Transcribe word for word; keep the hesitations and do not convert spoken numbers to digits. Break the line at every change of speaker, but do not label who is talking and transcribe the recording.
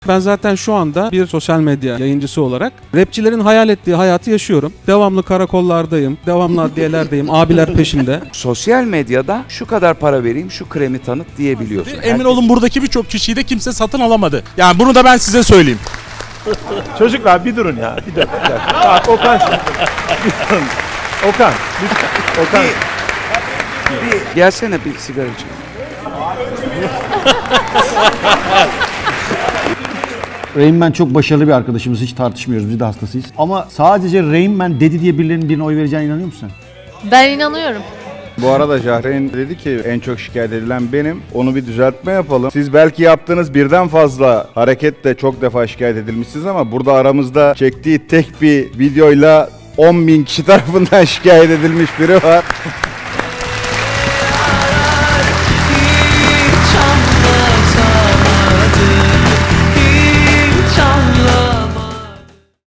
Ben zaten şu anda bir sosyal medya yayıncısı olarak rapçilerin hayal ettiği hayatı yaşıyorum. Devamlı karakollardayım, devamlı adliyelerdeyim, abiler peşimde.
Sosyal medyada şu kadar para vereyim, şu kremi tanıt diyebiliyorsun.
Emin
Herkes-
olun buradaki birçok kişiyi de kimse satın alamadı. Yani bunu da ben size söyleyeyim.
Çocuklar bir durun ya. Bir dakika. Bir dakika. Bak, Okan şimdi. Bir durun. Okan. Bir, Okan.
Bir, gelsene bir sigara içelim.
Rain Man çok başarılı bir arkadaşımız, hiç tartışmıyoruz, biz de hastasıyız. Ama sadece Rain Man dedi diye birilerinin birine oy vereceğine inanıyor musun sen?
Ben inanıyorum.
Bu arada Jahreyn dedi ki en çok şikayet edilen benim. Onu bir düzeltme yapalım. Siz belki yaptığınız birden fazla hareketle çok defa şikayet edilmişsiniz ama burada aramızda çektiği tek bir videoyla on bin kişi tarafından şikayet edilmiş biri var.